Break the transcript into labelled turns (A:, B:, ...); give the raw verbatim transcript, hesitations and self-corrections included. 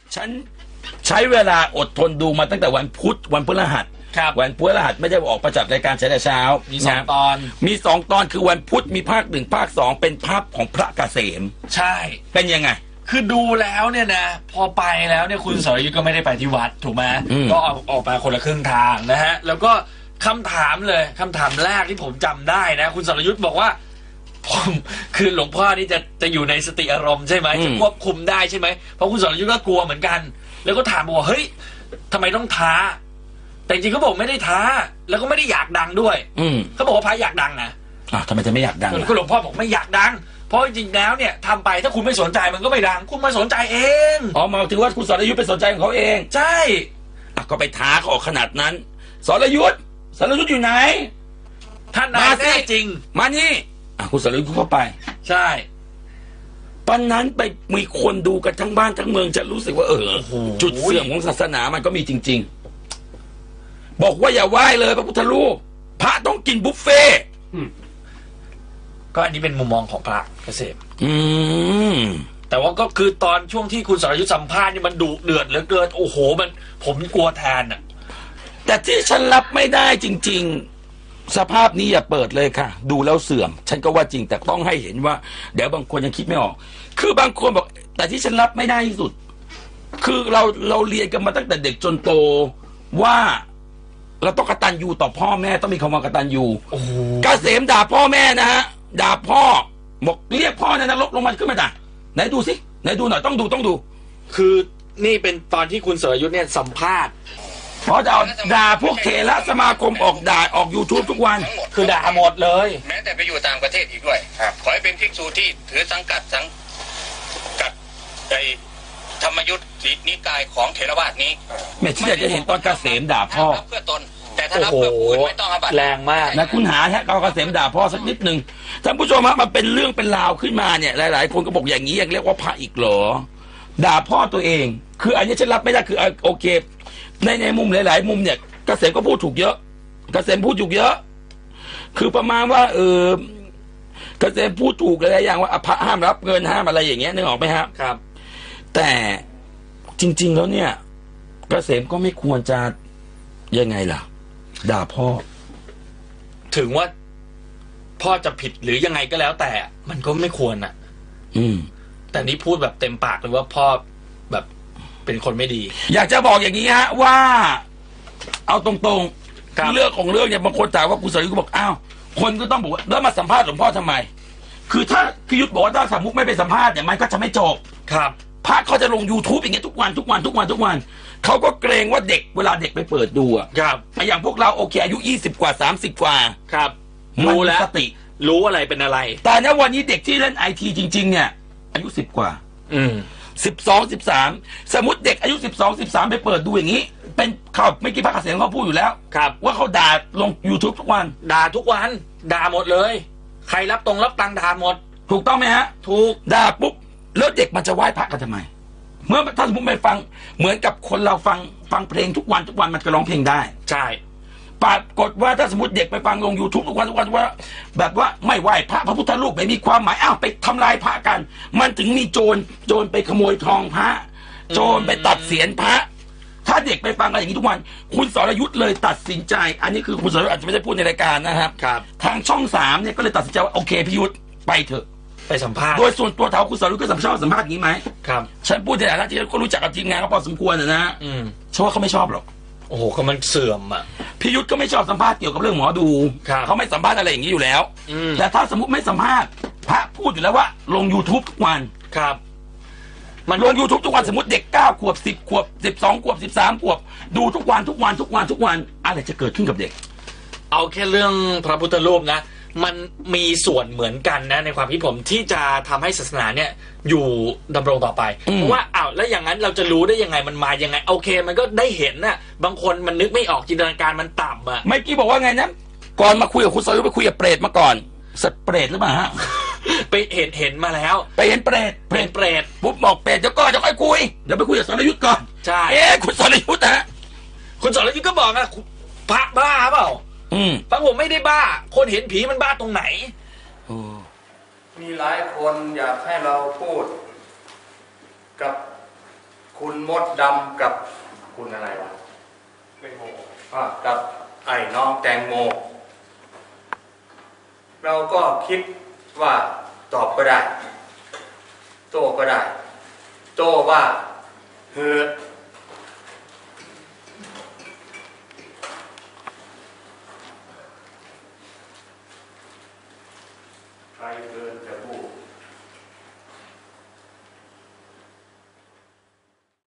A: ฉันใช้เวลาอดทนดูมาตั้งแต่วันพุธวันพฤหัสวันพฤหัสไม่ได้ออกประจับรายการเช้าเช้า
B: มีสองตอน
A: มีสองตอนคือวันพุธมีภาคหนึ่งภาคสองเป็นภาพของพระเกษม
B: ใช่
A: เป็นยังไง
B: คือดูแล้วเนี่ยนะพอไปแล้วเนี่ยคุณสรยุทธก็ไม่ได้ไปที่วัดถูกไหมก็ออกออกมาคนละครึ่งทางนะฮะแล้วก็คำถามเลยคำถามแรกที่ผมจำได้นะคุณสรยุทธบอกว่าผมคือหลวงพ่อนี่จะจะอยู่ในสติอารมณ์ใช่ไหมจะควบคุมได้ใช่ไหมเพราะคุณสรยุทธก็กลัวเหมือนกันแล้วก็ถามบอกว่าเฮ้ยทำไมต้องท้าแต่จริงเขาบอกไม่ได้ท้าแล้วก็ไม่ได้อยากดังด้วยเขาบอกว่าพระอยากดังนะ
A: อ่ะทำไมจะไม่อยากดัง
B: คุณหลวงพ่อบอกไม่อยากดังเพราะจริงๆแล้วเนี่ยทำไปถ้าคุณไม่สนใจมันก็ไม่ดังคุณมาสนใจเอง
A: อ๋อมาถือว่าคุณสรยุทธไปสนใจของเขาเอง
B: ใช่
A: อ่ะก็ไปท้าเขาออกขนาดนั้นสรยุทธสรยุทธอยู่ไหน
B: ท่านนายแน่จริง
A: มานี่อ่ะคุณสรยุทธเข้าไป
B: ใช่
A: ตอนนั้นไปมีคนดูกันทั้งบ้านทั้งเมืองจะรู้สึกว่าเออจุดเสื่อมของศาสนามันก็มีจริงๆบอกว่าอย่าไหว้เลยพระพุทธรูปพระต้องกินบุฟเฟ่
B: ก็อันนี้เป็นมุมมองของพระเกษม
A: อืม
B: แต่ว่าก็คือตอนช่วงที่คุณสรยุทธสัมภาษณ์นี่มันดุเดือดเหลือเกินโอ้โหมันผมกลัวแทนอ่ะ
A: แต่ที่ฉันรับไม่ได้จริงๆสภาพนี้อย่าเปิดเลยค่ะดูแล้วเสื่อมฉันก็ว่าจริงแต่ต้องให้เห็นว่าเดี๋ยวบางคนยังคิดไม่ออกคือบางคนบอกแต่ที่ฉันรับไม่ได้ที่สุดคือเราเราเรียนกันมาตั้งแต่เด็กจนโตว่าเราต้องกตัญญูต่อพ่อแม่ต้องมีคำว่ากตัญญูเกษมด่าพ่อแม่นะฮะด่าพ่อบอกเรียกพ่อในนรกลงมาขึ้นมาด่าไหนดูสิไหนดูหน่อยต้องดูต้องดู
B: คือนี่เป็นตอนที่คุณสรยุทธเนี่ยสัมภาษณ์
A: เพราะจะเอาด่าพวกเถรสมาคมออกด่าออก YouTube ทุกวัน
B: คือด่าหมดเลย
C: แม้แต่ไปอยู่ต่างประเทศอีกด้วยขอให้เป็นภิกษุที่ถือสังกัดสังกัดในธรรมยุทธ์นิกายของเถรวาทนี้
A: แม่ที่อยากจะเห็นตอนเกษมด่าพ่อ
C: เพื่อตนแต่ถ้ารับเพื่อผู้อื่นไม่ต้องอาบัติ
B: แรงมาก
A: นะคุณหาแค่เกษมด่าพ่อสักนิดหนึ่งท่านผู้ชมฮะมันเป็นเรื่องเป็นราวขึ้นมาเนี่ยหลายๆคนก็บอกอย่างนี้ยังเรียกว่าพระอีกเหรอด่าพ่อตัวเองคืออันนี้ฉันรับไม่ได้คือโอเคในในมุมหลายๆมุมเนี่ยเกษมก็พูดถูกเยอะเกษมพูดถูกเยอะคือประมาณว่าเออเกษมพูดถูกอะไรอย่างว่าพระห้ามรับเงินห้ามอะไรอย่างเงี้ยนึกออกไหมครับ
B: ครับ
A: แต่จริงๆแล้วเนี่ยเกษมก็ไม่ควรจะยังไงล่ะด่าพ่อ
B: ถึงว่าพ่อจะผิดหรือยังไงก็แล้วแต่มันก็ไม่ควรอ่ะ
A: อืม
B: แต่นี่พูดแบบเต็มปากเลยว่าพ่อแบบเป็นคนไม่ดี
A: อยากจะบอกอย่างนี้ฮะว่าเอาตรงๆเรื่องของเรื่องเนี่ยบางคนถามว่าคุณสรยุทธก็บอกอ้าวคนก็ต้องบอกว่าแล้วมาสัมภาษณ์หลวงพ่อทำไมคือถ้าพิยุทธบอกว่าถ้าสมมุติไม่ไปสัมภาษณ์เนี่ยมันก็จะไม่จบ
B: ครับ
A: พระเขาจะลง YouTube อย่างเงี้ยทุกวันทุกวันทุกวันทุกวันเขาก็เกรงว่าเด็กเวลาเด็กไปเปิดดูอ่ะ
B: ครับ
A: อย่างพวกเราโอเคอายุยี่สิบกว่าสามสิบกว่า
B: ครับ
A: รู้แล้วสติ
B: รู้อะไรเป็นอะไร
A: แต่ในวันนี้เด็กที่เล่นไอทีจริงๆเนี่ยอายุสิบกว่า
B: อืม
A: สิบสองสิบสามสมมติเด็กอายุสิบสองสิบสามไปเปิดดูอย่างนี้เป็นข่าวไม่กี่พระเกษมเขาพูดอยู่แล้ว
B: ครับ
A: ว่าเขาด่าลง YouTube ทุกวัน
B: ด่าทุกวันด่าหมดเลยใครรับตรงรับตังด่าหมด
A: ถูกต้องไหมฮะ
B: ถูก
A: ด่าปุ๊บแล้วเด็กมันจะไหว้พระกันทำไมเมื่อถ้าสมมติไปฟังเหมือนกับคนเราฟังฟังเพลงทุกวันทุกวันมันก็ร้องเพลงได้
B: ใช่
A: ปรากฏว่าถ้าสมมติเด็กไปฟังลง YouTube ทุกวันทุกวันว่าแบบว่าไม่ไหว้พระพระพุทธรูปไม่มีความหมายอ้าวไปทำลายพระกันมันถึงมีโจรโจรไปขโมยทองพระโจรไปตัดเศียรพระถ้าเด็กไปฟังกันอย่างนี้ทุกวันคุณสรยุทธเลยตัดสินใจอันนี้คือคุณสรยุทธอาจจะไม่ได้พูดในรายการนะครับ
B: ครับ
A: ทางช่องสามเนี่ยก็เลยตัดสินใจว่าโอเคพิยุทธไปเถอะ
B: ไปสัมภาษณ์
A: โดยส่วนตัวถามคุณสรยุทธก็สัมภาษณ์สัมภาษณ์นี้ไหม
B: ครับ
A: ฉันพูดในฐานะที่ก็รู้จักกับทีมงานก็พอสมควรนะนะ
B: อืม
A: ฉันว่าเขาไม่ชอบหรอก
B: โอ้โหก็มันเสื่อมอ่ะ
A: พิยุทธก็ไม่ชอบสัมภาษณ์เกี่ยวกับเรื่องหมอดูเขาไม่สัมภาษณ์อะไรอย่างนี้อยู่แล้วแต่ถ้าสมมติไม่สัมภาษณ์พระพูดอยู่แล้วว่าลง YouTube ทุกวัน
B: ครับ
A: มันลง YouTube ทุกวันสมมติเด็กเก้าขวบสิบขวบสิบสองขวบสิบสามขวบดูทุกวันทุกวันทุกวันทุกวันอะไรจะเกิดขึ้นกับเด็ก
B: เอาแค่เรื่องพระพุทธรูปนะมันมีส่วนเหมือนกันนะในความคิดผมที่จะทำให้ศาสนาเนี่ยอยู่ดำรงต่อไปเพราะว่าอ้าวแล้วอย่างนั้นเราจะรู้ได้ยังไงมันมายังไงโอเคมันก็ได้เห็นน่ะบางคนมันนึกไม่ออกจินตนาการมันต่ำอ่ะ
A: เมื่อกี้บอกว่าไงนะก่อนมาคุยกับคุณสรยุทธไปคุยกับเปรตมาก่อนสัตว์เปรตหรือเปล่าฮะ
B: ไปเห็นเห็นมาแล้ว
A: ไปเห็นเปรต
B: เปรตเปรต
A: ปุ๊บบอกเปรตเดี๋ยวก็จะค่อยคุยเดี๋ยวไปคุยกับสรยุทธก่อน
B: ใช่
A: เอ๊ะคุณสรยุทธฮะ
B: คุณสรยุทธก็บอกนะพระบ้าเปล่า
A: อืม
B: ฟังผมไม่ได้บ้าคนเห็นผีมันบ้าตรงไหน
D: มีหลายคนอยากให้เราพูดกับคคุณมดดำกับคุณอะไรวะแตงโมอ่ากับไอ้น้องแตงโมเราก็คิดว่าตอบก็ได้โต้ก็ได้โต้ว่าเฮ้อ